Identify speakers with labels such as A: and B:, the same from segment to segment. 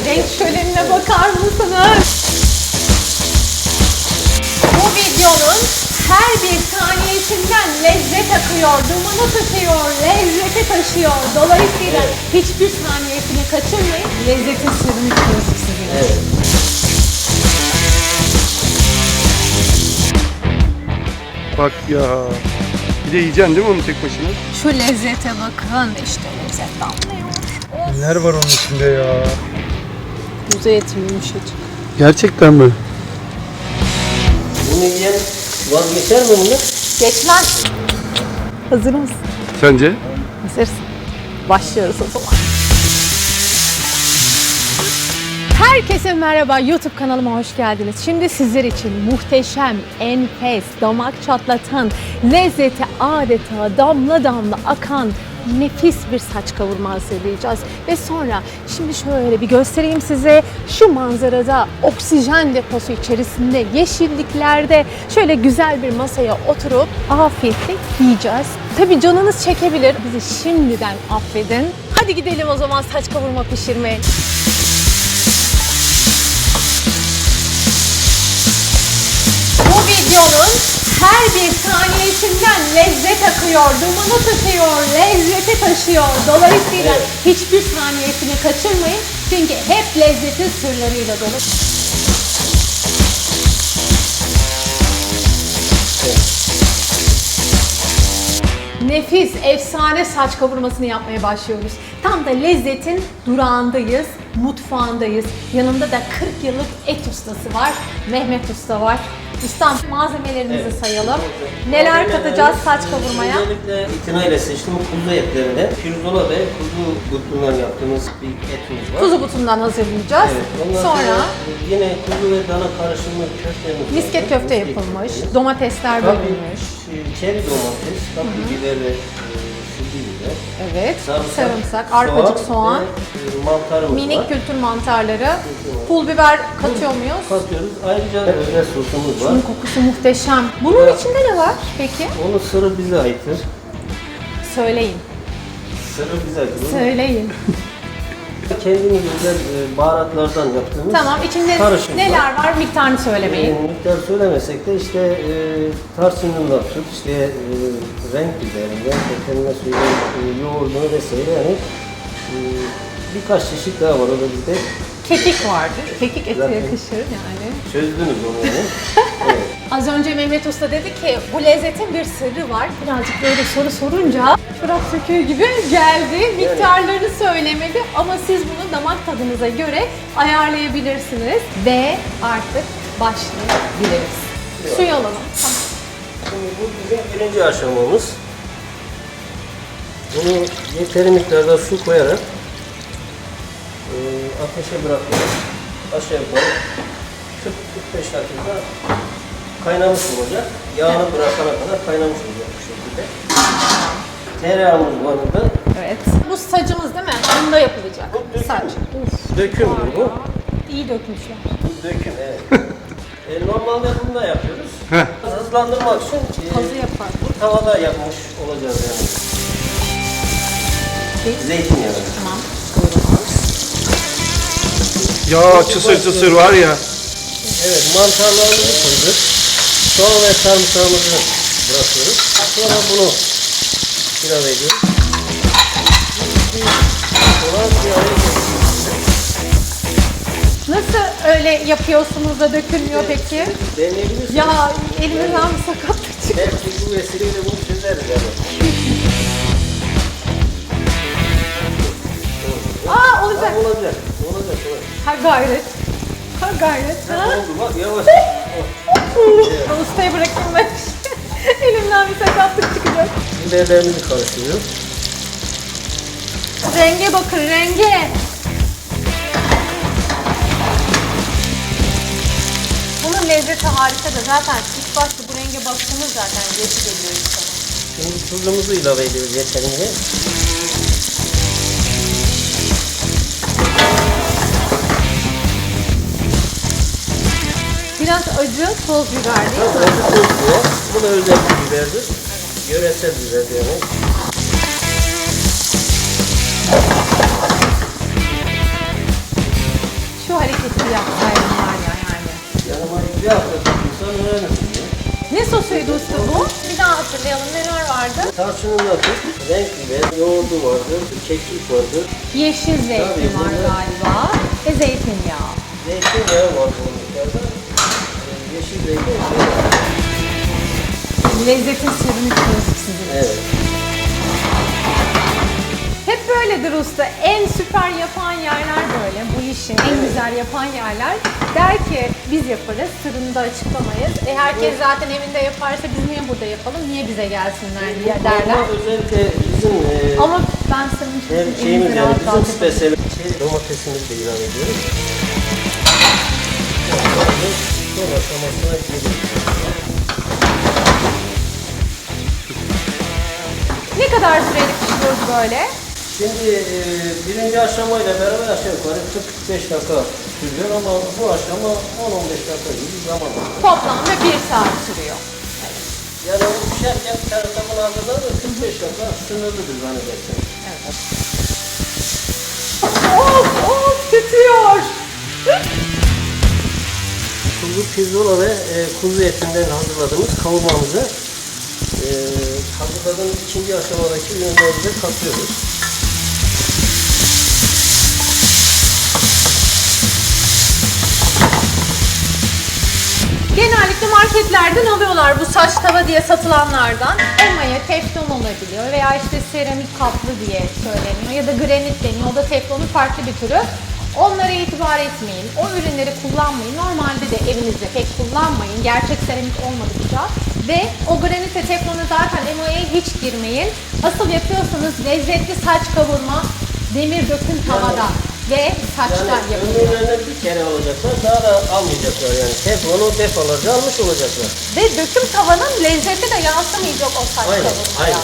A: renk şölenine bakar mısınız? Bu videonun her bir saniyesinden lezzet akıyor, dumanı tutuyor, lezzeti taşıyor. Dolayısıyla hiçbir saniyesini kaçırmayın. Lezzetin sırrını çıkıyoruz sizinle.
B: Evet.
C: Bak ya. Bir de yiyeceksin değil mi onu tek başına?
A: Şu lezzete bakın, işte lezzet damlıyor.
C: Neler var onun içinde ya?
A: Kuzu eti yumuşacık.
C: Gerçekten mi?
B: Bunu yiyen vazgeçer mi bunu?
A: Geçmez. Hazır mısın?
C: Sence?
A: Hazırsın. Başlıyoruz o zaman. Herkese merhaba, YouTube kanalıma hoş geldiniz. Şimdi sizler için muhteşem, enfes, damak çatlatan, lezzeti adeta damla damla akan nefis bir saç kavurma hazırlayacağız. Ve sonra şimdi şöyle bir göstereyim size. Şu manzarada, oksijen deposu içerisinde, yeşilliklerde şöyle güzel bir masaya oturup afiyetle yiyeceğiz. Tabii canınız çekebilir. Bizi şimdiden affedin. Hadi gidelim o zaman saç kavurma pişirmeye. Bu videonun her bir saniyesinden lezzet akıyor, dumanı tutuyor, lezzeti taşıyor. Dolayısıyla hiçbir saniyesini kaçırmayın. Çünkü hep lezzetin sırlarıyla dolu. Nefis, efsane saç kavurmasını yapmaya başlıyoruz. Tam da lezzetin durağındayız, mutfağındayız. Yanımda da 40 yıllık et ustası var, Mehmet Usta var. Ustam, malzemelerimizi sayalım. Neler katacağız saç kavurmaya?
B: Özellikle itinayla seçtim kuzu etlerinde. Pirzola ve kuzu butundan yaptığımız bir etimiz var.
A: Kuzu butundan hazırlayacağız.
B: Evet, ondan
A: Sonra
B: yine kuzu ve dana karışımı köftemiz var.
A: misket köfte
B: Misket
A: yapılmış,
B: köftemiz.
A: domatesler
B: Tabii,
A: bölünmüş.
B: çeri domates, kapya biber ve sivri biber.
A: Evet, sarımsak, arpacık soğan,
B: ve, mantarımız
A: minik
B: var.
A: kültür mantarları, pul biber katıyor muyuz?
B: Katıyoruz. Ayrıca özel sosumuz var.
A: Bunun kokusu muhteşem. Bunun içinde ne var peki?
B: Onun sırrı bize aittir.
A: Söyleyin,
B: Sırrı bize aittir.
A: söyleyin.
B: Kendimiz özel baharatlardan yaptığımız
A: Tamam, içinde
B: karışım
A: neler var? Miktarını söylemeyin.
B: Miktar söylemesek de işte tarçınından tut, işte renk biberinden, efendime söyleyeyim yoğurdunu vesaire yani birkaç çeşit daha var orada bizde.
A: Kekik vardır. Kekik ete
B: Zaten
A: yakışır yani.
B: Çözdünüz onu yani. Evet.
A: Az önce Mehmet Usta dedi ki bu lezzetin bir sırrı var. Birazcık böyle soru sorunca çorap söküğü gibi geldi. Miktarlarını söylemedi ama siz bunu damak tadınıza göre ayarlayabilirsiniz. Ve artık başlayabiliriz. Suyu alalım. Tamam.
B: Şimdi bu bizim birinci aşamamız. Bunu yeteri miktarda su koyarak ateşe bırakıyoruz. Aşağı yukarı 40-45 dakika kaynamış olacak. Yağını bırakana kadar kaynamış olacak bu şekilde. Tereyağımız var burada.
A: Evet. Bu sacımız değil mi? Bunda yapılacak. Saç. Uf.
B: Dökümdür bu.
A: İyi dökmüşler.
B: Bu döküm evet. Normalde bunu da yapıyoruz. Hızlandırmak için
A: Hazı yapar.
B: bu tavada yapmış olacağız yani. Zeytinyağı.
A: Tamam.
C: Ya çısır çısır var ya.
B: Evet, mantarlarımızı koyduk. Soğan ve sarımsağımızı bırakıyoruz. Sonra bunu ilave ediyoruz. Sonra bir araya getiriyoruz.
A: Nasıl öyle yapıyorsunuz da dökülmüyor peki?
B: Deneyebilirsiniz.
A: Ya elimizden bir sakatlık çıktı.
B: Belki bu vesileyle bunu çözeriz yani.
A: Aa olacak.
B: Olacak. Olacak.
A: Ha gayret. Ha gayret. Ha?
B: Oldu bak yavaş.
A: Ben ustaya bırakayım ben. Elimden bir sakatlık çıkacak.
B: Biberlerimizi karıştırıyoruz.
A: Renge bakın renge. Bunun lezzeti harika da zaten ilk başta bu renge baktığımız zaten geçi geliyor insana.
B: Şimdi tuzumuzu ilave ediyoruz yeterince.
A: Biraz acı toz biber değil mi?
B: Acı toz biber. Bu da özel bir biberdir. Yöresel biber yani. hafta tutulsan öğrenirsin ya.
A: Ne sosuydu usta bu? Bir daha hatırlayalım, neler vardı?
B: Tarçınında tut, renk biber, yoğurdu vardır, kekik vardır.
A: Yeşil zeytin
B: Tabii,
A: var
B: bunlar-
A: galiba ve zeytinyağı.
B: Zeytinyağı var bu miktarda. Yeşil zeytin şey var.
A: Lezzetin sırrını çözdük sizin.
B: Evet.
A: Hep böyledir usta. En süper yapan yerler böyle. Bu işi en güzel yapan yerler der ki biz yaparız, sırrını da açıklamayız. Herkes zaten evinde yaparsa biz niye burada yapalım, niye bize gelsinler diye derler.
B: Ama özellikle bizim
A: Ama ben sırrını çözdüm.
B: şeyimiz
A: elinizi
B: yani
A: rahat
B: bizim
A: rahat
B: spesiyel domatesimizi de ilave ediyoruz. Son aşamasına geliyoruz.
A: Ne kadar süreli pişiriyoruz böyle?
B: Şimdi birinci aşamayla beraber aşağı yukarı 40-45 dakika sürüyor ama bu aşama 10-15 dakika gibi bir zaman alıyor.
A: Toplamda 1 saat sürüyor.
B: Yani o pişerken bir tarafta bunu hazırlar da 45 dakika sınırlıdır zannedersem.
A: Of tütüyor.
B: Kuzu pirzola ve kuzu etinden hazırladığımız kavurmamızı hazırladığımız ikinci aşamadaki ürünlerimize katıyoruz.
A: Genellikle marketlerden alıyorlar bu saç tava diye satılanlardan. Emaye, teflon olabiliyor veya işte seramik kaplı diye söyleniyor ya da granit deniyor. O da teflonun farklı bir türü. Onlara itibar etmeyin. O ürünleri kullanmayın. Normalde de evinizde pek kullanmayın. Gerçek seramik olmadıkça. Ve o granit ve teflonu zaten emaye hiç girmeyin. Asıl yapıyorsanız lezzetli saç kavurma demir döküm tavada ve saçtan
B: Yani
A: yapılıyor.
B: ömürlerine bir kere alacaklar, daha da almayacaklar yani. Teflonu defalarca almış olacaklar.
A: Ve döküm tavanın lezzeti de yansımayacak o saç
B: Aynen,
A: kavurmaya.
B: aynen.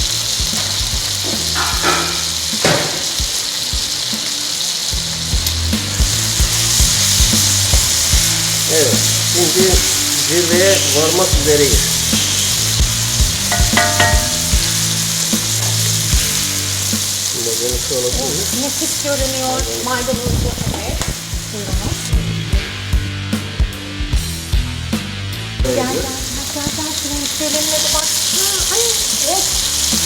B: Evet, şimdi zirveye varmak üzereyiz. Şimdi bunu şöyle koyuyoruz.
A: Nefis görünüyor. Maydanozlu evet. Buyurunuz. Gel gel gel şunun müşterilerine de bak. Ay of.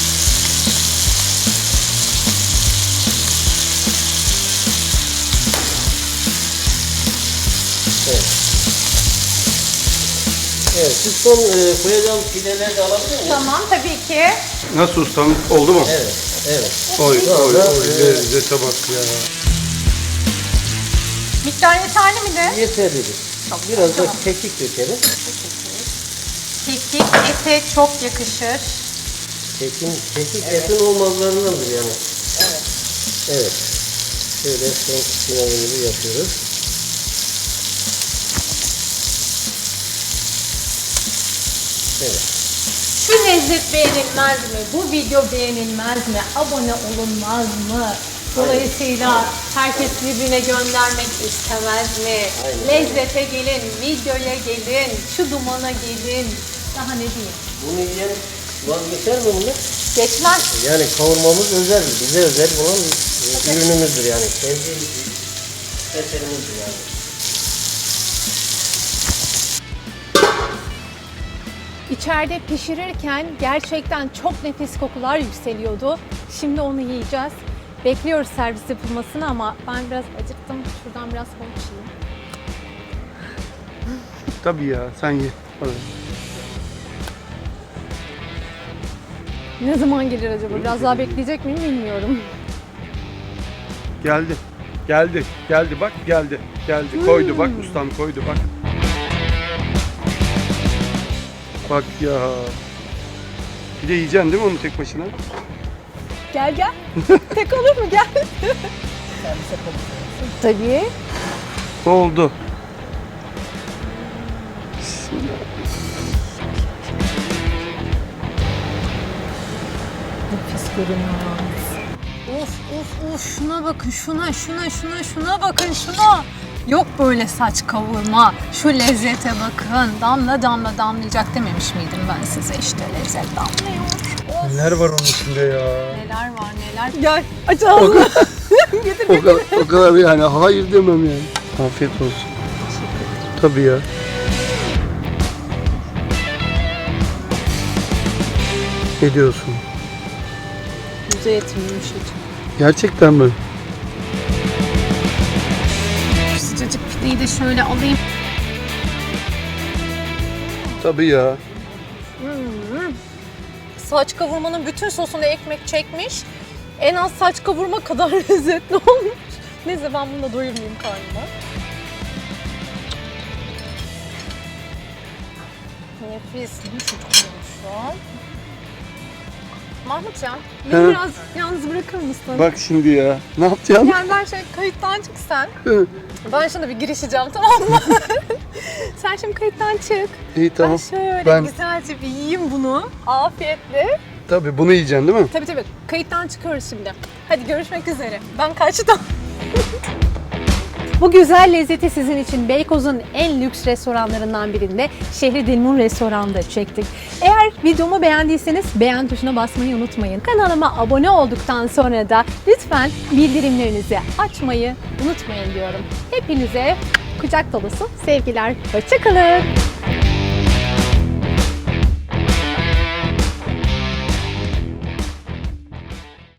B: Evet. Evet, siz son koyacağım pideleri de alabilir miyim?
A: Tamam tabii ki.
C: Nasıl ustam? Oldu mu?
B: Evet, evet.
C: Oy
B: Şu
C: oy
B: anda,
C: oy lezzete bak ya.
A: Miktar yeterli mi de?
B: yeterlidir. Biraz da kekik dökelim.
A: Kekik ete çok yakışır.
B: Kekik etin olmazlarındandır yani. Evet. Evet. Şöyle son finalimizi yapıyoruz. Evet.
A: Şu lezzet beğenilmez mi? Bu video beğenilmez mi? Abone olunmaz mı? Dolayısıyla herkes birbirine göndermek istemez mi?
B: Aynen.
A: Lezzete gelin, videoya gelin, şu dumana gelin. Daha ne diyeyim?
B: Bunu yiyen vazgeçer mi bunu?
A: Geçmez.
B: Yani kavurmamız özeldir. Bize özel olan ürünümüzdür yani. Kendi eserimizdir yani.
A: İçeride pişirirken gerçekten çok nefis kokular yükseliyordu. Şimdi onu yiyeceğiz. Bekliyoruz servis yapılmasını ama ben biraz acıktım. Şuradan biraz konuşayım.
C: Tabii ya sen ye. Hadi.
A: Ne zaman gelir acaba? Biraz daha bekleyecek miyim bilmiyorum.
C: Geldi. Geldi. Geldi bak geldi. Geldi. Koydu bak ustam koydu bak. Bak ya. Bir de yiyeceksin değil mi onu tek başına?
A: Gel gel. Tek olur mu? Gel. Tabii.
C: Oldu.
A: Nefis görünüyor. Of şuna bakın şuna bakın şuna. Yok böyle saç kavurma. Şu lezzete bakın. Damla damla damlayacak dememiş miydim ben size işte lezzet damlıyor. Of,
C: Neler var onun içinde ya?
A: neler var neler. Gel aç ağzını. Getir
C: O kadar yani hayır demem yani. Afiyet olsun. Tabii ya. Ne diyorsun?
A: Kuzu eti yumuşacık.
C: Gerçekten mi?
A: Şu sıcacık pideyi de şöyle alayım.
C: Tabii ya.
A: Saç kavurmanın bütün sosunu ekmek çekmiş. En az saç kavurma kadar lezzetli olmuş. Neyse ben bununla doyurmayayım karnıma. Nefis. Nasıl koymuş? Mahmutcan, beni
C: He.
A: biraz yalnız bırakır mısın?
C: Bak şimdi ya. Ne yapacaksın?
A: Yani ben şöyle kayıttan çık sen. Ben şimdi bir girişeceğim, tamam mı? Sen şimdi kayıttan çık.
C: İyi tamam.
A: Ben şöyle
C: Ben-
A: güzelce bir yiyeyim bunu. Afiyetle.
C: Tabii bunu yiyeceksin değil mi?
A: Tabii. Kayıttan çıkıyoruz şimdi. Hadi görüşmek üzere. Ben kaçtım. Bu güzel lezzeti sizin için Beykoz'un en lüks restoranlarından birinde Şehri Dilmun Restoran'da çektik. Eğer videomu beğendiyseniz beğen tuşuna basmayı unutmayın. Kanalıma abone olduktan sonra da lütfen bildirimlerinizi açmayı unutmayın diyorum. Hepinize kucak dolusu sevgiler. Hoşça kalın.